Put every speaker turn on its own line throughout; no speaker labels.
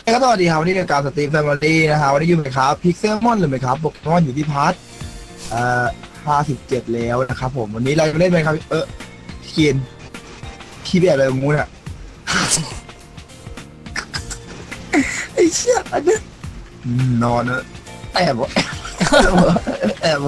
ก็สวัสดีครับวันนี้รายการสตรีมแฟมิลี่นะฮะวันนี้อยู่ไหมครับพิกเซลมอนหรือไหมครับโปเกมอนอยู่ที่พาร์ท57แล้วนะครับผมวันนี้เราจะเล่นไหมครับพี่กินพี่แบบอะไรงูเนี่ยไอ้เชี่ยอันนี้นอนนะแอบวะแอบ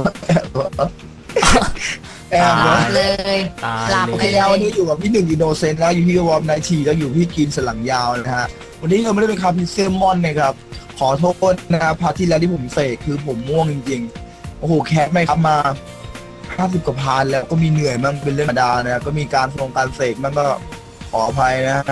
เลย
หลับไปแล้ววันนี้อยู่กับพี่หนึ่งอินโนเซนต์แล้วอยู่ที่วอร์มไนทีแล้วอยู่พี่กินสลังยาวนะฮะวันนี้เราไม่ได้เป็นคาพิเซลมอนนะครับขอโทษนะครับพาร์ทที่แล้วที่ผมเสกคือผมม่วงจริงๆโอ้โหแคสไม่ครับมา50 กว่าพาร์ทแล้วก็มีเหนื่อยมั่งเป็นเรื่องธรรมดานะก็มีการการเสกมั่งก็ขออภัยนะ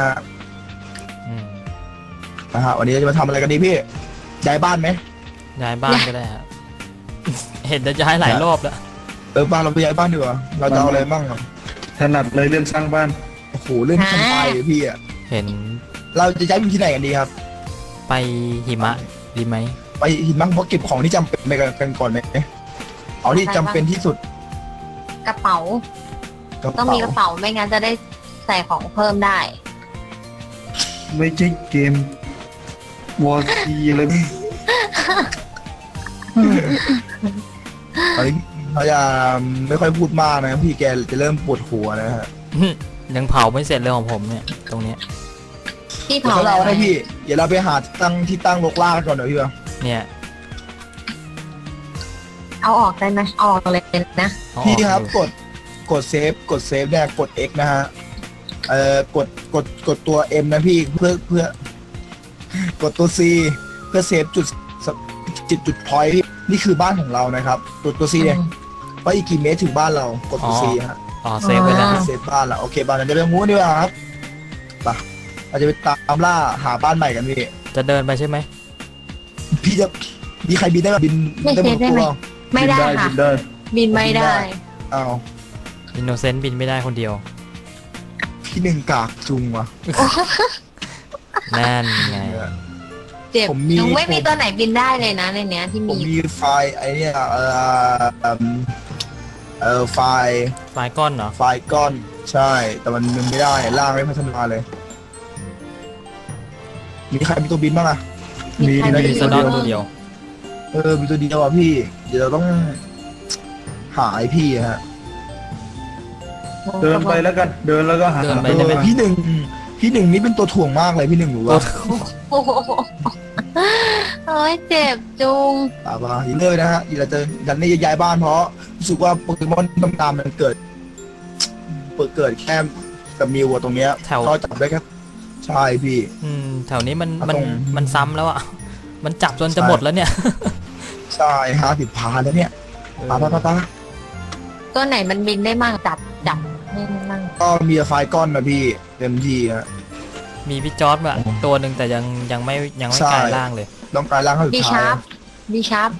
ฮะวันนี้จะมาทำอะไรกันดีพี่ย้ายบ้านไหม
ย้ายบ้านก็ได้ฮะเห็นจะย้ายหลายรอบแล้ว
บ้านเราไปย้ายบ้านดีกว่าเราจะเอาอะไรบ้างครับ
ถนัดเลยเรื่องสร้างบ้าน
โอ้โหเรื่องสบายเลยพี่อ่ะ
เห็น
เราจะย้ายไปที่ไหนกันดีครับ
ไปหิมะดีไหม
ไปหิมะเพราะเก็บของที่จำเป็นไปกันก่อนไหมเอาที่จำเป็นที่สุด
กระเป๋าต้องมีกระเป๋าไม่งั้นจะได้ใส่ของเพิ่มได้
ไม่ใช่เกมวอร์ซีเลย
ตอนนี้เขาจะไม่ค่อยพูดมากนะพี่แกจะเริ่มปวดหัวนะฮะ
ยังเผาไม่เสร็จเลยของผมเนี่ยตรงเนี้ย
ที่เผา
เราได้พี่เดี๋ยวเราไปหาที่ตั้งลกล่าก่อนเดี๋ยวพี่
เนี่ย
เอาออกได้ไหมออกเลยนะ
พี่ครับกดเซฟเนี่ยกด X นะฮะกดตัว M นะพี่เพื่อกดตัว C เพื่อเซฟจุดพอยต์นี่คือบ้านของเรานะครับตัว C เนี่ยว่าอีกกี่เมตรถึงบ้านเรากดตัว C ฮะ
เซฟไปแล้ว
เซฟบ้านละโอเคบ้านเราจะไปงูดีกว่าครับไปเราจะไปตามล่าหาบ้านใหม่กันพี่
จะเดินไปใช่ไหม
พี่จะมีใครบินได้ไหมบิน
ได้ไหมไม่ได้ค่ะบินไม่ได้
อ้าว
อินโนเซนต์บินไม่ได้คนเดียว
พี่หนึ่งกากจุงวะ
นั่นไง
เจ็บยังไม่มีตัวไหนบินได้เลยนะในเนี้ยที่
มีไฟไอเนี่ยไฟ
ก้อนเหรอ
ไฟก้อนใช่แต่มันไม่ได้ล่างไม่พัฒนาเลยมีใครมีตัวบินบ้างอะ
มีสนอตัวเดียว
มีตัวเดียวอ่ะพี่เดี๋ยวเราต้องหาไอพี่ฮะ
เดินไปแล้วกันเดินแล้วก็หา
พี่หนึ่งนี่เป็นตัวถ่วงมากเลยพี่หนึ่งรู้ว่า
โอ้ยเจ็บจุง
ป่าอีเลยนะฮะอีเราจะดันนี่ย้ายบ้านเพราะรู้สึกว่าโปเกมอนตามมันเกิดแค่กับมิวตรงเนี้ยก็จับได้แค่ใช่พี่
แถวนี้มันซ้ำแล้วอ่ะมันจับจนจะหมดแล้วเนี่ย
ใช่50 พาแล้วเนี่ยตา
ตัวไหนมันบินได้มากจับไม่มั่ง
ก็มีไฟก้อนนะพี่เต็มที่ฮะ
มีพี่จอร์ดอะตัวหนึ่งแต่ยังไม่กลายร่างเลย
ต้องกลายร่างให้สุดท้าย
บีชาร์ป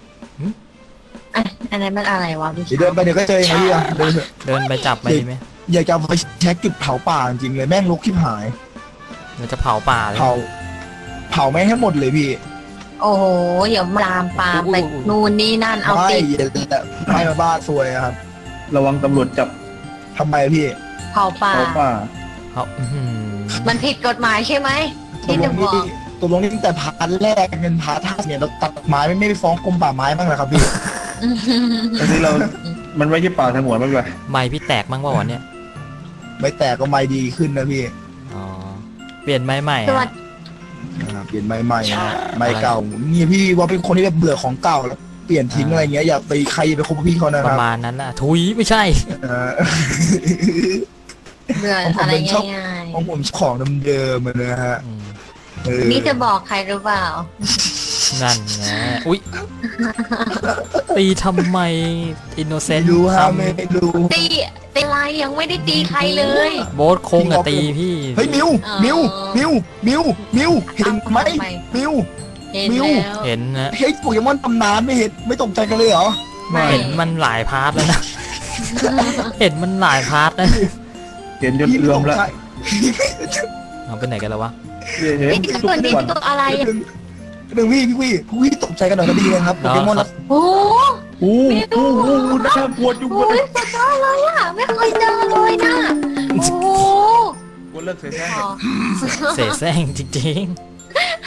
อันนั้นมันอะไรวะ
เดินไปเดี๋ยวก็เจออย่างนี้
เดินไปจับไปดีไหม
อยากจะไปแช็คจุดเผาป่าจริงเลยแม่งลุกที่หาย
เราจะเผาป่าเลย
เผาแม่งให้หมดเลยพี่
โอ้โหเดี๋ยวลามปามไปนู่นนี่นั่นเอาติด
ไม่มาบ้าซวยครับ
ระวังตำรวจจับ
ทำไมพี่
เผาป่ามันผิดกฎหมายใช่ไหมที่จะบอก
ตัวลงนี่ตั้งแต่พาร์ทแรกเป็นพาร์ทท่าเนี่ยเราตัดไม้ไม่ไปฟ้องกรมป่าไม้บ้างเหรอครับพี่
ตอนนี้มันไม่ใช่ป่าสงวนบ้างเลย
ไม้พี่แตกบ้างว่าวันเนี้ย
ไม่แตกก็ไม้ดีขึ้นนะพี่
เปลี่ยนไม้ใหม่
เปลี่ยนไม้ใหม่ไม้เก่านี่พี่ว่าเป็นคนที่แบบเบื่อของเก่าแล้วเปลี่ยนทิ้งอะไรเงี้ยอย่าไปใครไปคบพี่เขานะครับ
ประมาณนั้นน่ะทุยไม่ใช่
เบื่ออะไรง่าย
ๆของผมของเดิมๆนะฮะ
นี่จะบอกใครหรือเปล่า
นั่นไงอุ๊ยตีทำไมอินโนเซนต์
รู้ฮะไม่รู้
ตีอะไรยังไม่ได้ตีใครเลย
โบ๊ทโค้งกับตีพี่
เฮ้ยมิวเห็นไหมมิว
เห็นนะ
เฮ้ยโปเกมอนตำนานไม่ตกใจกันเลยเหรอ
เห็นมันหลายพาร์ทแล้วนะเห็นมันหลายพาร์ทนะ
เห็นจนเลื่อมแล้ว
เอาไปไหนกันแล้ววะ
ตัวอะไร
หนึ่งพี่ตกใจกันหน่อยก็ดีนะครับโปเกมอน
โอ้
น่ากลัวจุ๊บ
เลยสุดยอดเลยอ่ะไม่เคยเจอเลยนะโอ้
กูเลิกเสแสร้ง
จริง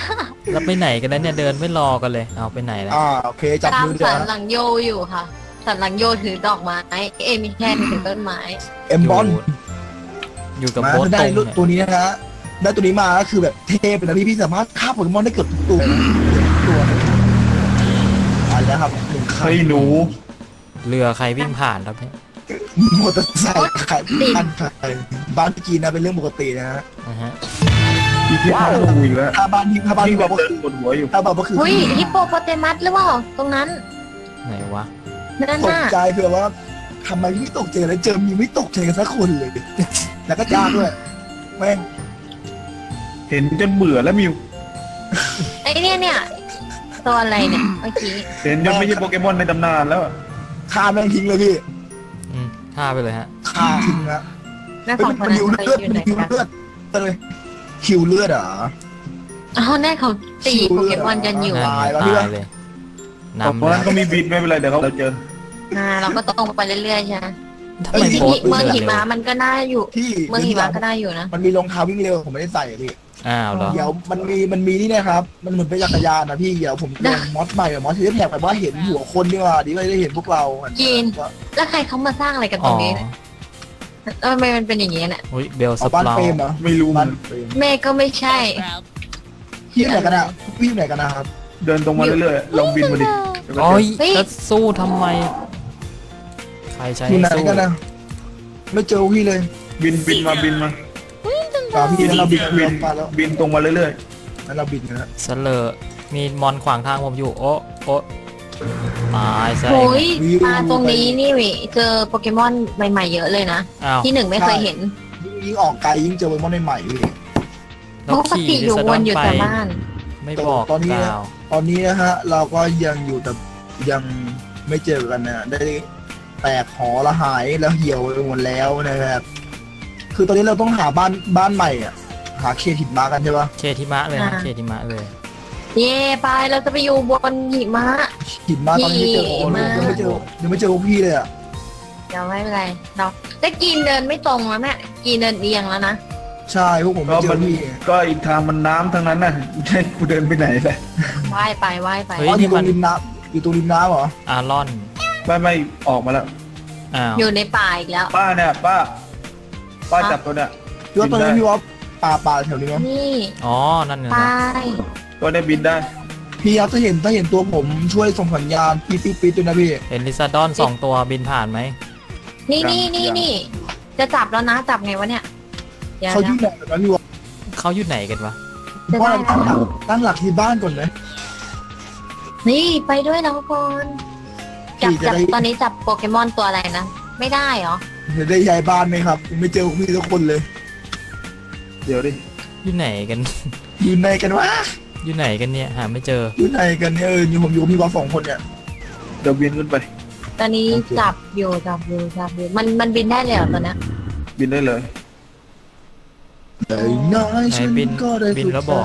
แล้วไปไหนกันแล้วเนี่ยเดินไม่รอกันเลยเอาไปไหนแล้ว
โอเคจับ
ตาม
มือ
สั
เดี๋ย
นหลังโยอยู่ค่ะ สันหลังโยถือดอกไม้มีแค่ถือต้นไม้
เอ็มบอล
อยู่กับ
มา
โบ๊ท
ได้
ตรง
รุ่น
เนี่ย
ตัวนี้นะฮะได้ตัวนี้มาก็คือแบบเทพเลยนะพี่สามารถฆ่าโปเกมอนได้เกือบทุกตัวนะเกือบทุกตัวไปแล้วครับหนึ่งคัน
เฮ้ยหนู
เรือใครวิ่งผ่านครับเนี่ย
มอเตอร์ไซค์ขายบ้านขายบ้านพี่กีนะเป็นเรื่องปกตินะฮะ
นะฮะ
อีกที่ห้าลงอีกแล้ว
ถ้าบ้านพี่
นี่
บ
แบ
อก
บ
ก็
เดิ
คื
น
อ
ปวดหัวอยู่
ถ้าบอกก็คือ
อุ้ยฮิปโปโปเตมัสหรือเปล่าตรงนั้น
ไหนวะ
นั่น
ตก
น่ะ
ใจเผื่อว่าทำไมพี่ตกใจแล้วเจอมีไม่ตกใจกันสักคนเลย แล้วก็ยากด้วยแม่ง
เห็นจนเบื่อแล้วมิว
ไอ้เนี่ยตัวอะไรเนี่ยเมื่อกี้
เห็นจนไม่ใช่โปเกมอนในตำนานแล้วอะ
ฆ่าแม่งทิ้งเลยพี่
ท่าไปเลยฮะ
ฆ่าทิ้งนะ
แม่
เฮ้ย
สอง
มัน
คน
มัน
นั้น
หิว
เคย
เลือด
อยู่ไหน
มันหิว
กัน
เลือดไปเลยหิวเลือดเหรอ
อ๋อแน่เขาตีโปเกมอนกันอยู่
นั่น
ตายแล้ว
ต
พี่
ายเลย
เพราะ
นำ
นั้นก็มีบิดไม่เป็นไรเดี๋ยวเราเจอ
เราก็ต้องไปเรื่อยๆใช่ไหม
ทำไม
ที่
โบ๊ท
เมือง
วิ่
หิ
เร็ว
มะมันก็น่าอยู่
ที่
เมืองหิมะก็ได้อยู่นะ
มันมีรองเท้าวิ่งเร็วผมไม่ได้ใส่อะพี่
อ้าวเหรอ
เดี๋ยวมันมีนี่นะครับ มันเหมือนเป็นจักรยานนะพี่เดี๋ยวผมลงมอสใหม่มอสที่แท็กไปว่าเห็นหัวคนดีกว่าดีก็ได้เห็นพวกเรา
จีน แล้วใครเขามาสร้างอะไรกันต
อ๋
ร
อง
นี้ทำไมมันเป็นอย่างนี้เนี่ย
อุ้ยเบลส
เอาบ้าน
ปรา
เฟรมเหรอ
ไม่รู้มั
บ้าน นเฟรม
แม่ก็ไม่ใช่
พี่อยู่ไหนกันอะพี่อยู่ไหนกันนะครับ
เดินตรงมาเรื่อยๆลองบินมาดิเดี๋ยวก็
โอ้ย
เฮ้ย
จะสู้ทำไม ใครใช้
อยู่ไหน
สู้
กันนะไม่เจอพี่เลย
บินมา
ตามพี่แล้วเราบิน
บิน
มาแล้ว
บินตรงมาเรื่อย
แล้วเราบินนะ
เสลอมีมอนขวางทางผมอยู่ โอ้โอ้ตายซะ
โอ้ย
วิว
มาตรงนี้นี่วิเจอโปเกมอนใหม่ๆเยอะเลยนะ
อ้าว
ที่หนึ่งไม่เคยเห็น
ยิ่งออกไกลยิ่งเจอโปเกมอนใหม่ๆพี่
แล้ว
ปก
ขี่
ติอยู่
ดิส
ว
ดอน น
อยู่
ไป
แต่บ้าน
ไม่บอก
ตอนนี้
ก
นะ
ล่าว
ตอนนี้นะฮะเราก็ยังอยู่แต่ยังไม่เจอกันนะได้แตกหอละหายแล้วเหี่ยวไปหมดแล้วนะครับคือตอนนี้เราต้องหาบ้านใหม่อ่ะหาเคหินมากันใช่ปะ
เคทิมะเลยนะ
อ่า
เคทิมะเลย
เย่ไปเราจะไปอยู่บนหิมะ
หินมาตอนนี้ไม่เจอโอ้โห
หิมะ
ยังไม่เจอพวกพี่เลยอ่ะ
เดี๋ยวไม่เป็นไรเราแต่กีนเดินไม่ตรงแล้วแม่กีนเดินเอียงแล้วนะ
ใช่พวกผม
ๆ
ไม่
ก็
เจ
มั
อน พี่
ก็อีกทางมันน้ำทั้งนั้นน่ะให้กูเดินไปไหนเลย
ว่ายไปว่ายไป
เฮ้ย
อ๋ออ
นี่
ยู่ตร
มัน
งริมน้ำอยู่ตรงริมน้ำเหรอ
อารอน
ไม่ออกมาแล้ว
อ้าว
อยู่ในป่าอีกแล้ว
ป้าเนี่ยป้าจับตัวเนี่ย
พี่ว่าตอนนี้พี่ว่าป่าแถวนี้มั้ย
นี่
อ๋อ นั่นไง
ไป
นะ
ตัวเนี่ยบินได้
พี่ครับถ้าเห็นตัวผมช่วยส่งสัญญาณปี๊ดด้วยนะพี่
เห็นลิซาดอนสองตัวบินผ่านไหม
นี่จะจับแล้วนะจับไงวะเนี่ยเดี๋ยว
เขายุ่
นะ
งไหนกันพี่ว่า
เขาอยู่ไหนกันวะ
จะ
ว่า
ได้
เราตั้งหลักที่บ้านก่อนไหม
นี่ไปด้วยเราก่อนจับ
จะได้
ตอนนี้จับโปเกมอนตัวอะไรนะไม่ได้เหรอ
จะได้ย้ายบ้านไหมครับยังไม่เจอพวกพี่ทุกคนเลย
เดี๋ยวดิ
อยู่ไหนกัน
อยู่ไหนกันวะ
อยู่ไหนกันเนี่ย หาไม่เจอ
อยู่ไหนกันเนี่ยอยู่ผมอยู่กับพี่ว่า2 คนเนี่ย
เดี๋ยวบินขึ้นไป
ตอนนี้
โอเค
จับอยู่มันบินได้เลยเหรอตอนเนี้ย
บินได้เลย
แต่น้อยฉัน
บิน
ก็ได้
บินแล้วบอก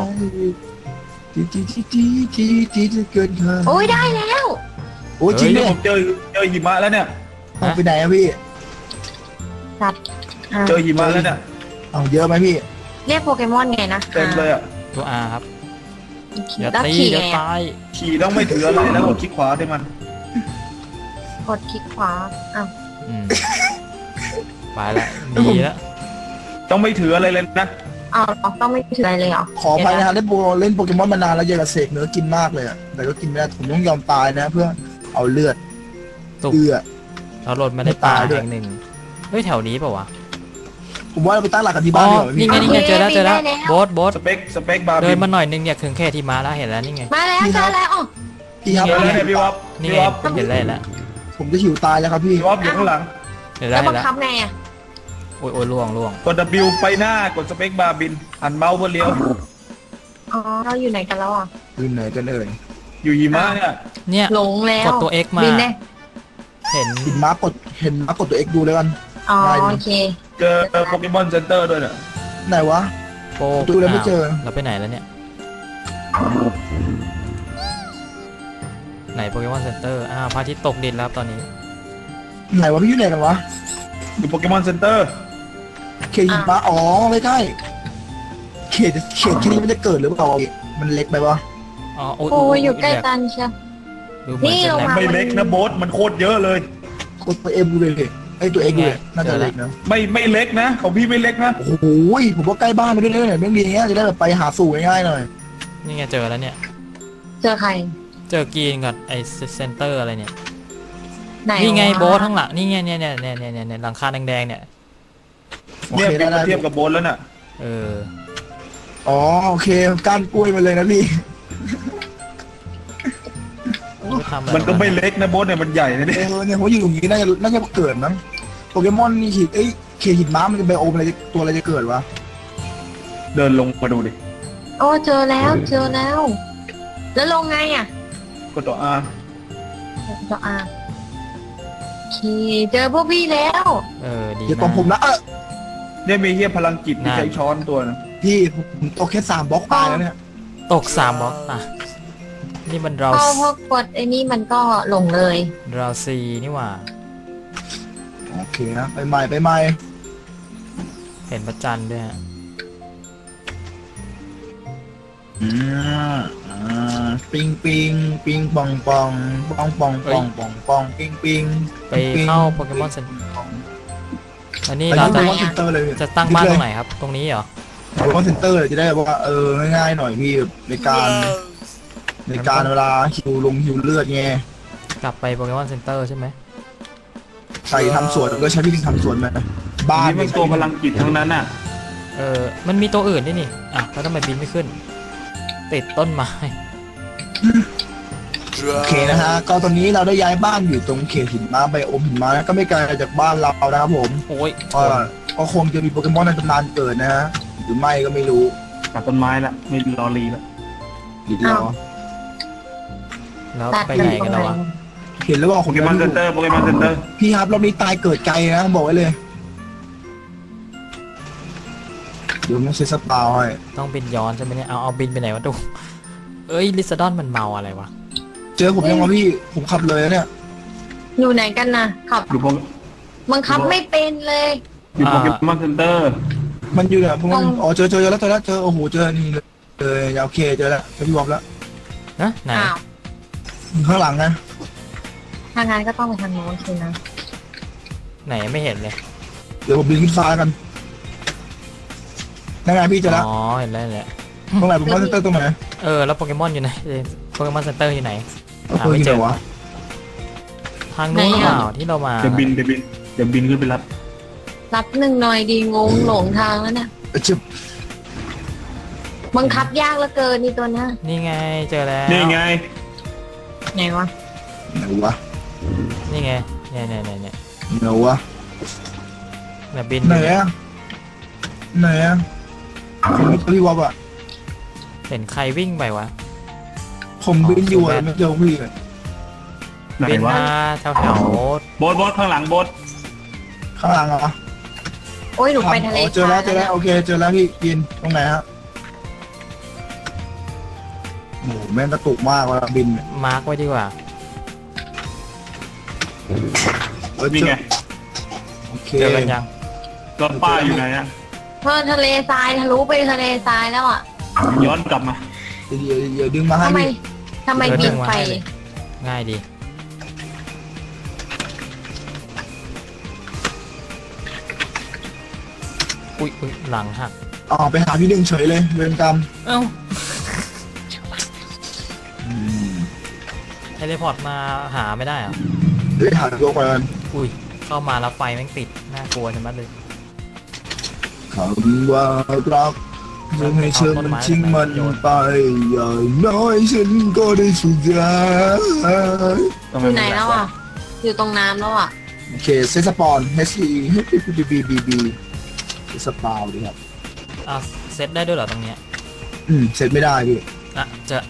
ที่จะเกินคาด
โอ้ยได้แล้ว
โอ้ยจริง
เนี่
เนี่ย ย
ผมเจอหิมะแล้วเนี่ย
เอาไปไหนอะพี่
จับอ่ะ
เจอหิมะแล้วเนี่ย
เอาเยอะไหมพี่
เรียกโปเกมอนไงนะ
เต็มเลยอ่ะ
ตัวอาครับ
โอเค
อย่า
แล้ว
ตี
ขี่
อย่า
ไง
ตาย
ขี่ต้องไม่ถืออะไรแล้วกดคลิกขวาได้มัน
กดคลิกขวาอ้าว
อืมไปละหนีละ
ต้องไม่ถืออะไรเลยนะ
เอาต้องไม่ถืออะไรเลยเหรอ
ขออภัยนะฮะเล่นโปเกมอนมานานแล้วอยากจะเสกเนื้อกินมากเลยอะแต่ก็กินไม่ได้ผมต้องยอมตายนะ เพื่อเอาเลือด
ตุก
เอื้อ
เราหล่นมาในป่า
ไม่ตายด้วย
แห่งหนึ่ง เฮ้ยแถวนี้เปล่าวะ
ผมว่าเราไปตั้งหลักกันที่
อ๋
บ้า
อน
ดีกว่า
นี่
พี่
ไงนี่ไงเจอแล้วเจอแล้วโบ๊ทโบ๊ท
สเปคบาร์
เดิ
บิ
น
น
มาหน่อยนึงอยากถึงแค่ที่มาแล้วเห็นแล้วนี่ไง
มาแล้วเจอแล้วอ๋อ
พี่ครับ
เจอแล้วเนี่ยพี่วอฟ
นี่
พี่
ไง
วอฟ
ผมเห็นแล้วเห็นแล้ว
ผมจะหิวตายแล้วครับพี่
พี่วอฟอยู่ข้างหลัง
เห็นแล้
แล้ว ว
เห็
บั
น
ง
แล้ว
คับไงอ่ะ
โอ้ยโอ้ยล่วงล่วง
กด W ไปหน้ากดสเปคบาร์บินหันเมาส์เพื่อเลี้ยว
อ๋อเราอยู่ไหนกันแล้วอ่ะ
อยู่ไหนกันเอ่ย
อยู่หิมะเนี่ย
เนี่ย
หลงแล้ว
กดตัว X มา
บินได้
เห็น
เห็นม้ากดตัว X ดูเลยกัน
อ๋อ
ได้ดิ
โอเค
เจอโปเกมอนเซ็นเตอร์ด้วยเนี่ย
ไหนวะ
โป๊ก
ดูแล้วไม่เจอ
เราไปไหนแล้วเนี่ย ไหนโปเกมอนเซ็นเตอร์อ้าวพระอาทิตย์ตกดินแล้วครับตอนนี้
ไหนวะพี่อยู่ไหนกันวะ
อยู่โปเกมอนเซ็นเตอร์
เขตหิมะอ๋อไม่ใช่เขตแค่นี้มันจะเกิดหรือเปล่ามันเล็กไปวะ
อ๋อ
โอ้ยอยู่ใกล้กันเชียว
ดูเหมือน
นี่
จะ
เรา
แหล
มา
ม
ไม่เล็กนะโบ๊ทมันโคตรเยอะเลย
กดตัวเอ็มเลยไอ้ตัวเอ็กเลยน่าจะเล็กนะ
ไม่เล็กนะของพี่ไม่เล็กนะ
โอ้โหผมว่าใกล้บ้านไปด้วยเนี่ยเรื่องดีเงี้ยจะได้แบบไปหาสู่ง่ายๆหน่อย
นี่ไงเจอแล้วเนี่ย
เจอใคร
เจอกรีนกับไอ้เซนเตอร์อะไรเนี่ย
ไหน
นี่ไง
วะ
โบ๊ทข้างหลังนี่ไงเนี่ยหลังคาแดงๆเนี่ย
โอ
เนี่ย
เค
พี่
ได้
มาเทียบกับโบ๊ทแล้วน่ะ
เออ
อ๋อโอเคก้านกล้วยมาเลยนะพี่
ทำอะไร
มันก็ไม่เล็กนะโบ๊ทเนี่ยมันใหญ่นะเนี่ย
เนี่ยผมอยู่ตรงนี้น่าจะเกิดมั้งโปเกมอนนี่หินเคหินม้ามันจะไบโอมอะไรตัวอะไรจะเกิดวะ
เดินลงมาดูดิ
โอ้เจอแล้วแล้วลงไงอ่ะ
ก็ต่ออา
ก็โอเคเจอพวกพี่แล้ว
เออดี
เดี๋ยว
มา
ตรงผม
ก
นะ
เนี่ยมีเฮียพลังจิตที่
นั่น
ใช้ช้อนตัวนะ
พี่ผมตกแค่3บล็อกตายแล้วเนี่ย
ตก3บล็อกอ่ะนี่มันเรา
พอพกดไอ้นี่มันก็ลงเลย
เราซีนี่หว่า
โอเคนะไปใหม่
เห็นพระจันทร์ด้วยฮะ
ปิงปองปองปิง
ไปเข้าโปเกมอนเซ็นอันนี้
อัน
เรา
นี้
จะ
โปเกมอนเซ็นเตอร์เลย
จะตั้งบ้านตรงไหนครับ ตรงนี้เหรอ
โปเกมอนเซ็นเตอร์จะได้ว่าง่ายๆหน่อยพี่ในการเวลาหิวเลือดไง
กลับไปโปเกมอนเซ็นเตอร์ใช่ไหม
ใส่ทำสวนก็ใช้พี่ลิงทำสวนไหมบ้าน
นี่มันตัวพลังจิตทั้งนั้นน่ะ
มันมีตัวอื่นด้วยนี่อ่ะแล้วทำไมบินไม่ขึ้น ติดต้นไม้
โอเคนะฮะก็ตอนนี้เราได้ย้ายบ้านอยู่ตรงเขตหินม้าไบโอมหินม้าก็ไม่ไกลจากบ้านเรานะครับผม
โอ้ยชน
ก็คงจะมีโปเกมอนในตำนานเกิดนะฮะหรือไม่ก็ไม่รู้
ตัดต้นไม้ละไม่รอรีละ
ดีเดียว
แล้วไปไหนกันแล้ววะ
เห็นแล้วว่า
โปเกมอนเซ็นเตอร์โปเกมอนเซ็นเตอร์
พี่ครับรอบนี้ตายเกิดไกลนะบอกไว้เลยเดี๋ยวมันเซตสปาวให้
ต้องบินย้อนใช่ไหมเนี่ยเอาบินไปไหนวะดูเอ้ยลิซาดอนมันเมาอะไรวะ
เจอผมยังวะพี่ผมขับเลยนะเนี่ย
อยู่ไหนกันนะขับ
อยู่โป
บังคับไม่เป็นเลย
อยู่โปเกมอนเซ็นเตอร์
มันอยู่เนี่ยผมอ๋อเจอแล้วโอ้โหเจอนี่เลยโอเคเจอแล้วเจอพี่วอมแล้ว
นะไหน
อ้าว
อยู่ข้างหลังนะ
ทางงานก็ต้องไปทางโน้นสินะ
ไหนไม่เห็นเลย
เดี๋ยวผมบินขึ้นฟ้ากันนั่นไงพี่เจอแล้ว
อ๋อเห็นแล้วแหละ
ตรงไหนผมว่าเซนเตอร์ตรงไหน
แล้วโปเกมอนอยู่ไหนโปเกมอนเซ็นเตอร์อยู่ไหนหา
เออ
ไม่
ที่
เจ
ไหน
อ
วะ
ทางนู้นหรือเปล่าที่เรามา
เดี๋ยวบินขึ้นไปรับ
รับหนึ่งหน่อยดีงงหลงทางแล้วเนี่ย
จึ๊บ
บังคับยากเหลือเกินนี่ตัวเนี้ย
นี่ไงเจอแล้ว
นี่ไง
ไหนวะ
ไหนวะ
นี่ไงเนี่ย
ไหนวะ
บิน
ไหนอะผมไม่เจอพี่วอมอะ
เห็นใครวิ่งไปวะ
ผมบินอยู่อะไม่เจอพี่เลย
ไหน
บิน
วะ
มาแถว
โบ๊ทข้างหลังโบ๊ท
ข้างหลังเหรอ
โอ้ยหนูไปทะเล
เจอแล้วโอเคเจอแล้วพี่กินตรงไหนฮะโอ้โหแม่งกระตุกมากเวลาบิน
มาร์กไว้ดีกว่า
นี่ไง
โอเค
เจอกันยัง
รถป้ายอยู่ไหนอะ
เพราะทะเลทรายทะลุไปทะเลทรายแล้วอ่ะ
ย้อนกลับมา
เดี๋ยวดึงมาให้
ทำไม
พี่
บินไป
ง่ายดีอุ้ยหลังหัก
อ๋อไปหาพี่หนึ่งเฉยเลยเวรกรรม
เอ้าเทเลพอร์ตมาหาไม่ได้เหรอ
ได้หาตัวก่อน
อุ้ยเข้ามาแล้วไฟแม่งติดน่ากลัวใช่ไหมเลย
คำว่ารักจะให้เชื่อมันทิ้งมันไปอย่างน้อยฉันก็ได้สุดยา
อยู่ไหนแล้วอ่ะ อยู่ตรงน้ำแล้วอ่ะ
โอเคเซตสปอน HE BBBB เซตสปาวดีครับ
เซตได้ด้วยเหรอตรงเนี้ย
เซตไม่ได้พี่
เจอง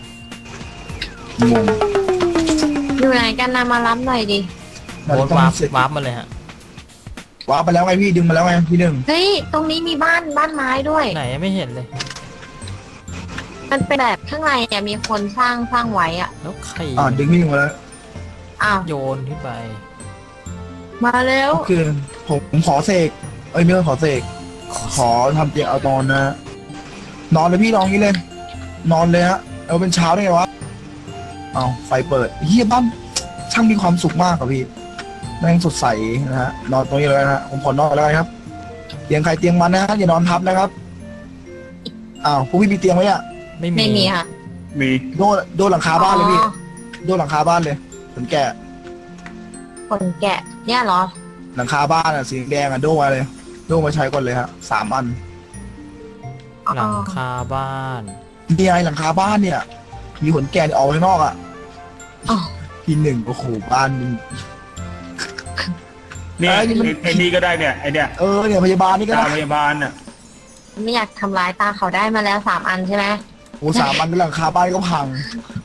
ง
อยู่ไหนกันนะมารับหน่อยดิ
โบ๊ทวาร์ปมาเลยฮะ
ว้าไปแล้วไงพี่ดึงมาแล้วไงพี่หนึ่ง
เฮ้ยตรงนี้มีบ้านไม้ด้วย
ไหนไม่เห็นเลย
มันเป็นแบบข้างในอ่ะมีคนสร้างไว้อ่ะ
แล้วใคร
ดึงพี่หนึ่งมาแล้ว
อ้าว
โยนขึ้นไป
มาเร็ว
โอเคผมขอเสกไม่ต้องขอเสกขอทำเตียงเอานอนนะนอนเลยพี่นอนงี้เลย นอนเลยฮะเอาเป็นเช้าได้ไงวะเอาไฟเปิดเฮียบ้านช่างมีความสุขมากครับพี่แม่งสดใสนะฮะนอนตรงนี้เลยนะฮะผมขอนอนแล้วครับเตียงใครเตียงมันนะฮะอย่านอนทับนะครับอ้าวพวกพี่มีเตียงไหมอ่ะ
ไม่
ไม่
มี
มีค่ะ
มี
โดนหลังคาบ้านเลยพี่
อ๋อ
โดนหลังคาบ้านเลยผมแกะ
คนแกะเนี่ยเหรอ
หลังคาบ้านอ่ะสีแดงอ่ะโดนมาเลยโดนมาใช้ก่อนเลยฮะ3 อัน
หลังคาบ้าน
นี่ไงหลังคาบ้านเนี่ย มีขนแกะออกข้างนอกอ่ะ
อ๋อ
ทีหนึ่งโอ้โหบ้านมึง
เนี่ย
ไอ้นี่มัน
ไอ้นี่ก็ได้เนี่ยไอ้เนี่ย
เนี่ยพยาบาลนี่ก็
ตา
ได้
พยาบาลน่ะ
ไม่อยากทำร้ายตาเขาได้มาแล้ว3 อันใช่ไหม
โอ้3 อันเป็นหลังคาบ้านก็พัง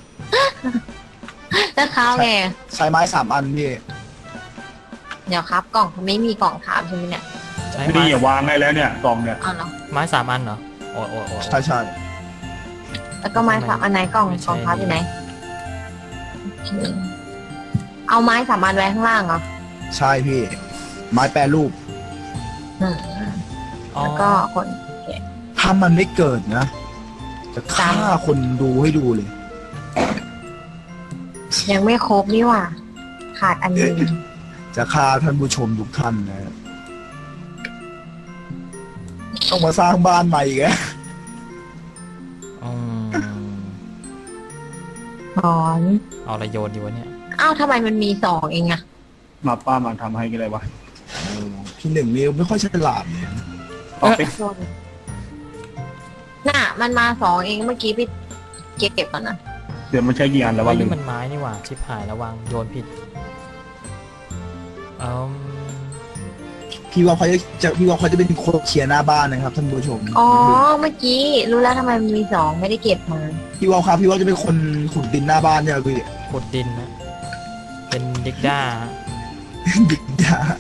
แล้วเขาไง
ใช้ไม้3 อันพี่
เดี๋ยวครับกล่องไม่มีกล่องถามใช่ไหมเนี่ย
ใช้
ไม่
ไม้
ดีอย่าวางให้แล้วเนี่ยกล่องเนี่ย
เอาเหรอ
ไม้3 อันเหรอโอ้
ใช่ใช่
แล้วก็ไม้3 อันไหนกล่อง
ไม่ใช่
กล่องพับอยู่ไหนโอเคเอาไม้3 อันไว้ข้างล่างเหรอ
ใช่พี่ ไม้แปรรูป
อืม
อ๋อ
แล้วก็คน
ถ้ามันไม่เกิดนะ จะฆ่าคนดูให้ดูเลย
ยังไม่ครบนี่หว่า ขาดอันหนึง
จะฆ่าท่านผู้ชมทุกท่านนะต้องมาสร้างบ้านใหม่อีกแล้ว
อืม
ถอน
เอาอะไรโยนดีวะเนี่ย
อ้าวทำไมมันมี2เองอะ
มาป้ามาทำให้กันเลยวะ
พี่หนึ่งนี่ไม่ค่อยฉลาดเลย
เอาไป
น่ะมันมา2เองเมื่อกี้พี่เก็บก่อนนะ
เดี๋ยวมันใช้กี่อันแล้ว
เฮ้
วะ
ย
ลื
นี่
ม
มันไม้นี่หว่าชิบหายแล้ววางโยนผิดเอม
พี่ว่าเขาจะเป็นคนเคลียร์หน้าบ้านนะครับท่านผู้ชม
อ๋อเมื่อกี้รู้แล้วทำไมมันมี2ไม่ได้เก็บมา
พี่ว่าครับพี่ว่าจะเป็นคนขุดดินหน้าบ้านเนี่ยพี่
ขุดดินนะเป็นดิกด้า
ดินดา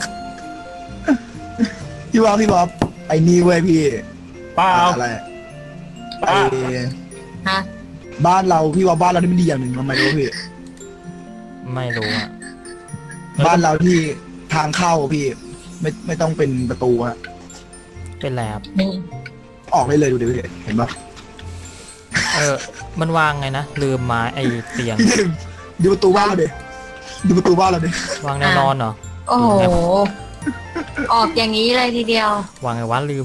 พี่ว่าไอ้นี่เว้ยพี่
ป้าเอา
อะไร
ป้า
ไอ้
ฮะ
บ้านเราพี่ว่าบ้านเราที่มันดีอย่างหนึ่งทำไมรู้พี่
ไม่รู้อ่ะ
บ้านเราที่ทางเข้าพี่ไม่ต้องเป็นประตูฮะ
เป็นแลบ
นี่
ออกได้เลยดูดิพี่เห็นปะ
มันวางไงนะลืมไม้ไอเตียง
พี่หนึ่งดูประตูบ้านเราดิดูประตูบ้านเราดิ
วางแนวนอนเหรอ
โอ้โหออกอย่างนี้เลยทีเดียว
วางไงวะลืม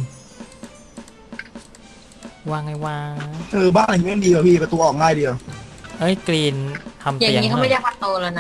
วางไงวะ
บ้านอะไรเงี้ยดีกว่าพี่ประตูออกง่ายเดียว
เอ้ยกรีนทำ
อย่าง
เตียง
นี้เขา
หน่
ไม่
อย
เรียกว่าโตแล้วนะ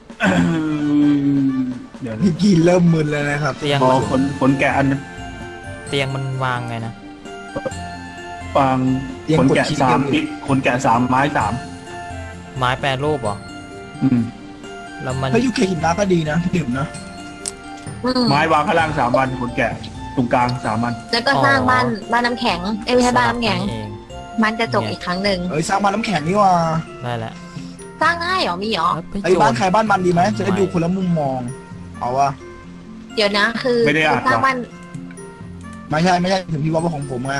เดี๋ยว
พี่กินเริ่มมึนแล้วนะครับ
เตียง
พอขนแกะอัน
เตียงมันวางไงนะ
ฟางขนแกะ3ขนแกะ3ไม้3
ไม้แปรรูปเหรอ
อืม
แล้วมัน
ถ้ายูเคหินน้าก็ดีนะพี่ดื่มนะ
ไม้วางข้างล่าง3 วันขนแกะตรงกลาง3 วัน
แล้วก็สร้างบ้านน้ำแข็งไม่ใช่บ้านน้ำแข็ง
เอง
มันจะจบอีกครั้งหนึ่ง
สร้างบ้านน้ำแข็งนี่ว่า
ได้แล้ว
สร้างง่ายเหรอมีเหรอ
ไอ้บ้านใครบ้านมันดีไหมจะได้ดูคนละมุมมองเอาวะ
เดี๋ยวนะคือ
ไม่ได้อ่าน
สร้างบ้าน
ไม่ใช่ถึงพี่ว่าเป็นของผมไง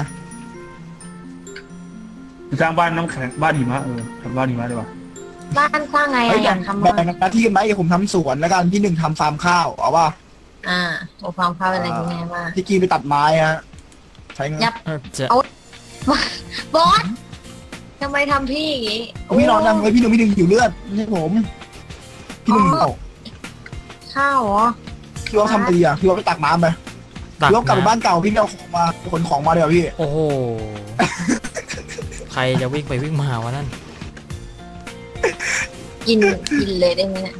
สร้างบ้านน้ำแข็งบ้านหิมะทำบ้านหิมะได้ปะ
บ้านสร้างไง
ไอ้
อะ
แบ่
อยาง กทำ
แบ่
บ้าง น
หน้าที่กันไหมเดี๋ยวผมทำสวนแล้วกันพี่หนึ่งทำฟาร์มข้าวเอาวะ
โอ้ความเข้าอะไรยังไงบ้าง
พี่กีไปตัดไม้ฮะใช้เงิน
ยับ
จะ
บอสทำไมทำพี่อย่างงี้
พี่นอนยังไงพี่หนึ่งหิวเลือดไม่ใช่ผมพี่หนึ่งเอา
ข้าวเหรอ
พี่ว่าทำดีอ่ะพี่ว่าไปตักน้ำไป
ตัก
พี่ว่ากลับไป
น้ำ
บ้านเก่าพี่ไม่เอาของมาขนของมาเดี๋ยวพี่
โอ้โห ใครจะวิ่งไปวิ่งมาวะนั่น
กินเลยได้ไหมเนี่ย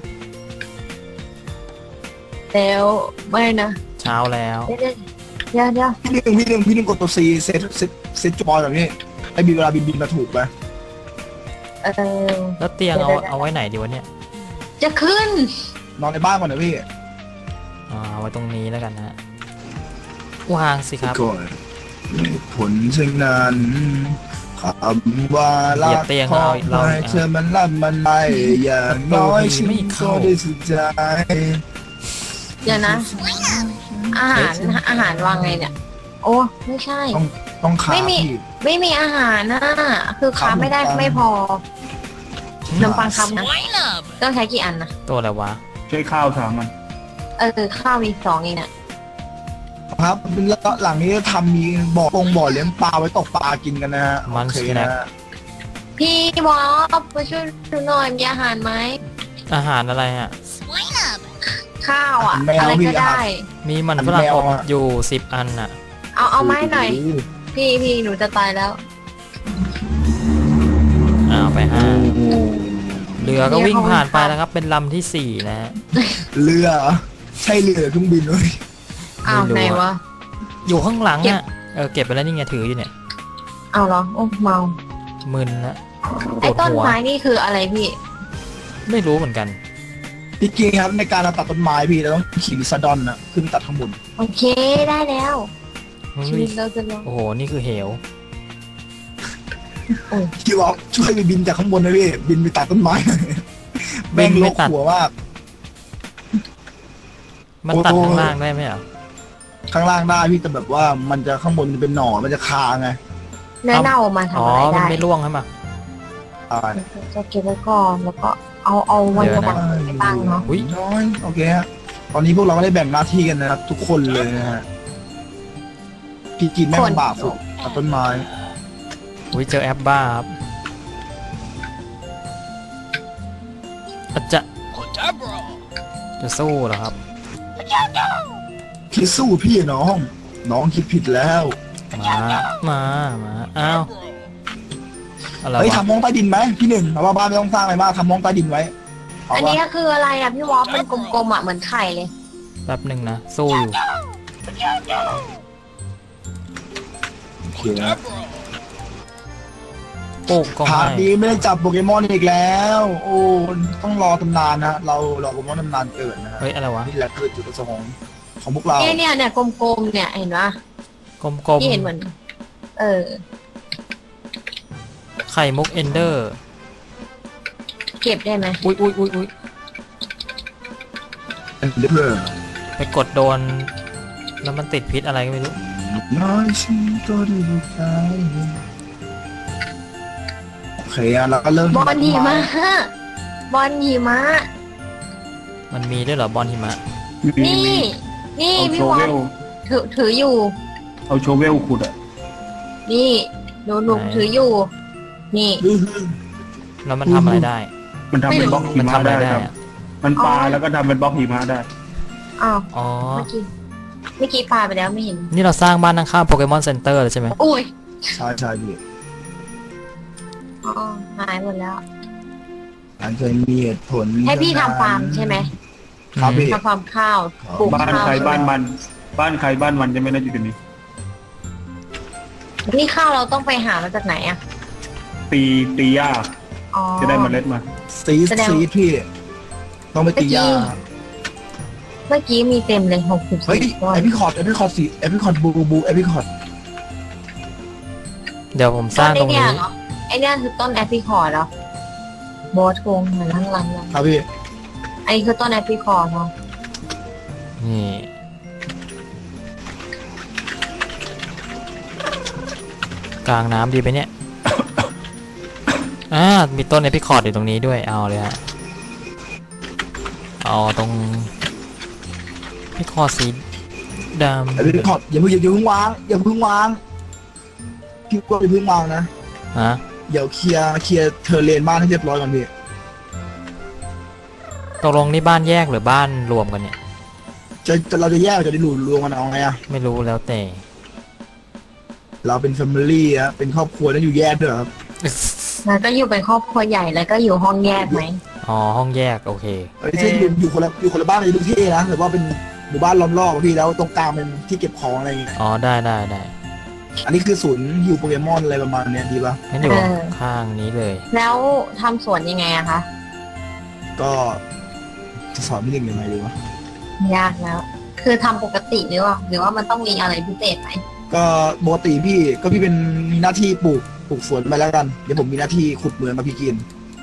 แล้วไม่นะ
เช้าแล้ว
เดี๋ยว
พี่หนึ่งกดตัวซีเซตจอยแบบนี้ไอ้บินเวลาบินมาถูกไป
แล้วเตียงเอาไว้ไหนดีวะเนี่ย
จะขึ้น
นอนในบ้านก่อนนะพี่
เอาไว้ตรงนี้แล้วกันนะวางสิครับ
ก่อนผลเช่นนั้นคำว่ารักของใครเธอมันรับมันไปอย่างน้อยฉันก็ได้สุดใจ
เดี๋ยวนะ อาหารวางไงเนี่ย โอ้ไม่ใช่
ต้องขา
ไม่มี
พี่
ไม่มีอาหารนะคือค้าไม่ได้ไม่พอขนมปังคำนะต้องใช้กี่อันนะ
ตัวอะไรวะ
ใช้ข้าว3 มัน
ข้าวมี2เองน่ะ
ครับแล้วหลังนี้ทำมีบ่อเลี้ยงปลาไว้ตกปลากินกันนะฮะ
มัน
โอเค
สแน็
นะ
ค
ฮะ
พี่วอฟมาช่วยดูหน่อยมีอาหารไหม
อาหารอะไรอ่ะ
ข้าวอ่ะ
แมว
อะไร
พี่
ก็ได้
มีมันฝรั่งอบอยู่10 อันอ่ะ
เอาไม้หน่อย พี่หนูจะตายแล้ว
เอาไป5เรือก็วิ่งผ่านไปแล้วครับ เป็นลำที่4นะฮะ
เรือใช่เรือเครื่องบินเลย
อ้าว
ไม่รู้
ไหน
อะ
วะ
อยู่ข้างหลัง
เก็บ
อ่ะเก็บไปแล้วนี่ไงถืออยู่เนี่ย
เอาเหรอโอ้เมา
มึนละป
ไอ้
วด
ต้น
หัว
ไม้นี่คืออะไรพี่
ไม่รู้เหมือนกัน
พี่กินครับในการเราตัดต้นไม้พี่เราต้องขี่ลิซาดอนนะขึ้นตัดข้างบน
โอเคได้แล้ว
เฮ้
ชี
ย
วิตเราจะลง
โอ้โหนี่คือเหว
พี่บอกช่วยไปบินจากข้างบนนะพี่บินไปตัดต้นไม้แม่งโลกหัวมาก
มันตัดข้างล่างได้ไหมอ่ะ
ข้างล่างได้พี่แต่แบบว่ามันจะข้างบนมันเป็นหน่อมันจะคาไง
เนื้อเน่ามา
อ๋อ
ทำอะไร
มัน
ได้
ไม่ร่วงใช่ไหม
ตาย
จะเก็บไว้ก่อนแล้วก็เอาไว้
เดี๋ยว
วา
นะ
งไปตั้งเนาะ
อุ้ย
น้อยโอเคฮะตอนนี้พวกเราก็ได้แบ่งหน้าที่กันนะครับทุกคนเลยนะฮะพี่กินแม่งลำบากสุดตัดต้นไม้
อุ้ยเจอแอปบ้าครับอาจจะสู้เหรอครับ
พี่สู้พี่น้องคิดผิดแล้ว
มาอ้าวอะไร
เฮ้ยว
ะ
ทำห้องใต้ดินไหมพี่หนึ่งเอาว่าบ้านไม่ต้องสร้างอะไรมากทำห้องใต้ดินไว้เอา
อัน
ว่า
นี้ก็คืออะไรอ่ะพี่วอฟมันกลมๆอ่ะเหมือนไข่เลย
แป๊บหนึ่งนะสู้อยู่
โอเคนะ
ปลูกก็
พา
ให้
ร์ทนี้ไม่ได้จับโปเกมอนอีกแล้ว โอ้ต้องรอตำนานนะเรารอโปเกมอนตำนานเกิดนะฮะ
เฮ้ยอะไรวะ
นี่แหละคือจุดประสงค์ของพวกเรา
เนี่ยกลมๆเนี่ยเห็นปะ
กลม
พี่เห็นเหมือน
ๆไข่มุกเอนเดอร์
เก็บได้ไหม
อุ้ย
เพื่อ
ไปกดโดน แล้วมันติดพิษอะไรก็ไม่รู้
น้อยชิ้นตัวดูใจโอเคอะเราก็เริ่ม
บอลหิมะบอลหิมะ
มันมีด้วยเหรอบอลหิมะ
นี่
เอา
พี่
โช
วอ
เว
ฟ
ล
ถืออยู่
เอาโชเวลขุดอ่ะ
นี่หนูถืออยู่ นี่
แล้วมันทำอะไรได้
มันทำเป็นบล็อกหิ
มัน
มะ
ทำอะไร
ได้
ได้
ครับ
อะ
มันปลาแล้วก็ทำเป็นบล็อกหิมะได้
อ้าว
อ๋อ
เมื่อกี้ปลาไปแล้วไม่เห็น
นี่เราสร้างบ้านข้างๆโปเกมอนเซ็นเตอร์เลยใช่ไหม
อุ้ย
ใช่พี่
อ๋อหายหมดแล้ว
อันเคยมีเหตุผล
ให้พี่ทำฟาร์มใช่ไหม
ครับพี่
ทำฟาร์มข้าวปลูก
บ้าน
ข้าว
ใครบ้านมัน บ้านใครบ้านมันจะไม่ได้อยู่ตรงนี้
นี่ข้าวเราต้องไปหามาจากไหนอ่ะ
ตีหญ้า
อ๋อ
จะได้เมล็ดมา
ซีด
แสดง
พี่ต้องไปตียา
เมื่อกี้มีเต็มเลย60
เฮ้ย
ก้อน
เอพิคอร์ดสีเอพิคอร์ดบูเอพิคอร์ด
เดี๋ยวผมสร้างตรงนี้
ไอเนี่ยคือต้นแอปริคอร์ดเหรอโบสโกงเหมือนลัง
ครับพี่
อันนี้คือต้นแอปริคอร์ดเนาะ
นี่กลางน้ำดีไปเนี่ย มีต้นเอพิคอร์ดอยู่ตรงนี้ด้วยเอาเลยฮะเอาตรงเอพิคอร์ดสีด
เอพิคอร์ดอย่าเพิ่งวางพี่ก็อย่าเพิ่งวางนะ
ำฮะ
เดี๋ยวเคลียร์เทอร์เลนบ้านให้เรียบร้อยก่อนพี่
ตกลงนี่บ้านแยกหรือบ้านรวมกันเนี่ย
เราจะแยกจะได้รวมกันเอาไงอะ
ไม่รู้แล้วแต่
เราเป็นแฟมิลี่อะเป็นครอบครัวแล้วอยู่แยกด้วยเหรอครับ
แล้วก็อยู่เป็นครอบครัวใหญ่แล้วก็อยู่ห้องแยกไหม
อ๋อห้องแยกโอเค
เช่นอยู่คนละบ้านเลยดูเท่นะหรือว่าเป็นหมู่บ้านล้อมรอบอะพี่แล้วตรงกลางเป็นที่เก็บของอะไรอย่างเงี้ย
อ๋อได้
อันนี้คือศูนย์ฮิวโปเกมอนอะไรประมาณเนี้ยดีป่ะ
งั้นอยู่ข้างนี้เลย
แล้วทำสวนยังไงอะคะ
ก็จะสอนพี่หนึ่งยังไงดีวะ
ยากแล้ว คือทำปกติหรือว่ามันต้องมีอะไรพิเศษไหม
ก็ปกติพี่เป็นมีหน้าที่ปลูกสวนไปแล้วกันเดี๋ยวผมมีหน้าที่ขุดเหมืองกับพี่กิน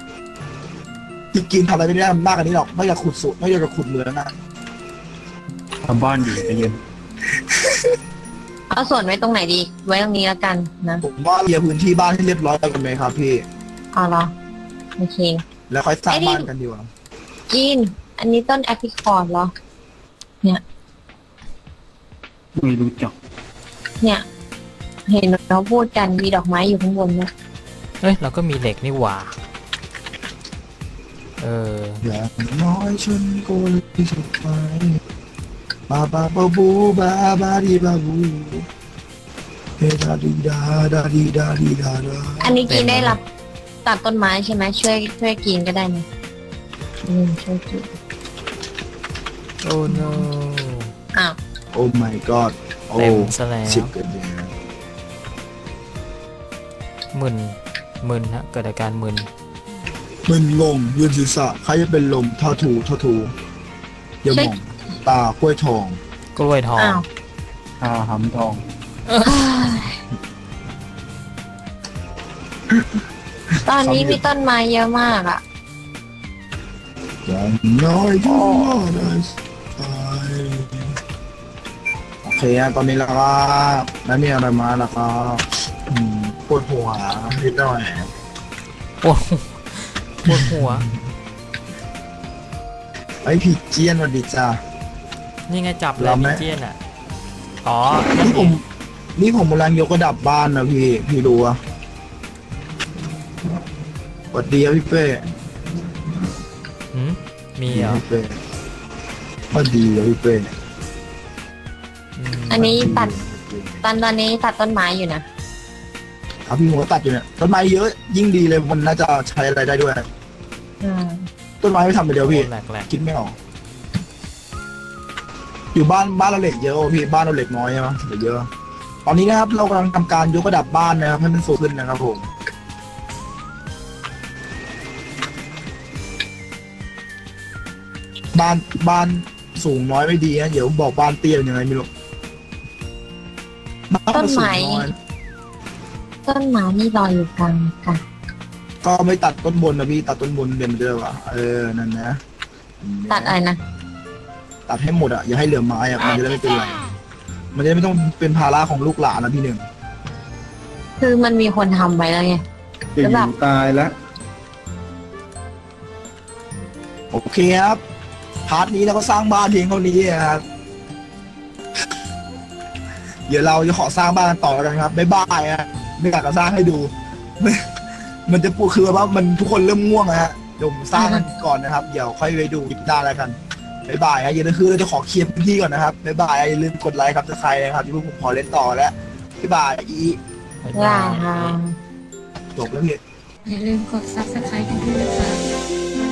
ทำอะไรไม่ได้มากกว่านี้หรอกนอกจากขุดสวนนอกจากขุดเหมืองนะ
ทำบ้านอยู่ใจเย็น
เอาสวนไว้ตรงไหนดี ไว้ตรงนี้แล้วกันนะ
ผมว่าเคลียร์พื้นที่บ้านให้เรียบร้อยกันไหมครับพี่
เอาเหรอโอเค
แล้วค่อยสร้างบ้านกันดีกว่า
กิน อันนี้ต้นแอปริคอร์ดเหรอ
ไม่รู้จัก
เนี่ย เห็นเราพูดกันมีดอกไม้อยู่ข้างบนนะ
เอ้ยเราก็มีเหล็กนี่หว่า
อย่างน้อยฉันก็เลยสุดท้ายบาบาบาบูบาบาดีบาบูเฮดาดีดาดาดีดาดีดาดา
อันนี้กินได้รับตัดต้นไม้ใช่ไหมช่วยกินก็ได้นะช่วยกิน
โอ้ no
อ้าว
โอ้ my god โอ้
เต็มซะแล้ว
สิบกันเนี่ย
มึนฮะเกิดอาการมึน
มึนงงยืนศีรษะใครจะเป็นลมท่าถูอย่ามองตากล้วยทอง
กล้วยทอง
อ้าว
หำทอง
ตอนนี้มีต้นไม้เยอะมากอ่ะ
อย่างน้อยก็ได้ไปโอเคตอนนี้แล้วก็แล้วมีอะไรมาแล้วก็ปวดหัวนิดหน่อย
ปวดหัว
ไอ้ผีเจียนสวัสดีจ้า
นี่ไงจับเลย
เราไหม
มิเจียนอ่ะอ๋อ
นี่ผมกำลังยกระดับบ้านนะพี่ดูอะสวัสดีครับพี่เป้
หืมมีเหรอ
พี่เป้สวัสดีครับพี่เป้
อันนี้ตัดตอนนี้ตัดต้นไม้อยู่นะ
ครับพี่หัวตัดอยู่เนี่ยต้นไม้เยอะยิ่งดีเลยมันน่าจะใช้อะไรได้ด้วย ต้นไม้ไม่ทำไปเดียวพี่
แหลก
คิดไม่ออกอยู่บ้านเราเหล็กเยอะพี่บ้านเราเหล็กน้อยใช่ไหมเหล็กเยอะตอนนี้นะครับเรากำลังทำการยกระดับบ้านนะครับให้มันสูงขึ้นนะครับผมบ้านสูงน้อยไม่ดีนะเดี๋ยวบอกบ้านเตี้ยเป็นยังไงไม่รู้บ้าน
ต้น
สูง
ไม้
น้อย
ต้นไม้นี่ลอยอยู่กลางกัน
ก็ไม่ตัดต้นบนนะพี่ตัดต้นบนเดิมเดิมอ่ะนั่นนะ
ตัดอะไรนะ
ตัดให้หมดอ่ะอย่าให้เหลือไม้อ่ะมันจะได้ไม่เป็นไรมันจะได้ไม่ต้องเป็นภาระของลูกหลานนะพี่หนึ่ง
คือมันมีคนทำไว้แล้วไง
จะอยู่ตายแล้ว
โอเคครับพาร์ทนี้เราก็สร้างบ้านเพียงเท่านี้ครับเดี๋ยวเราจะขอสร้างบ้านกันต่อแล้วกันครับบ๊ายบายอ่ะไม่อยากจะสร้างให้ดูมันจะปูคือว่ามันทุกคนเริ่มง่วงนะฮะเดี๋ยวผมสร้างกันก่อนนะครับเดี๋ยวค่อยไปดูคลิปหน้าแล้วกันบ๊ายบายนะอย่าลืมคือเราจะขอเคลียร์พื้นที่ก่อนนะครับบ๊ายบายอย่าลืมกดไลค์ครับถ้าใครนะครับที่พวกผมขอเล่นต่อแล้วบ๊ายบาย
ๆบ๊าย
ลา
บาย
ทาง
จบแล้วเนี่ย
อย่าลืมกด subscribe กันด้วยนะคะ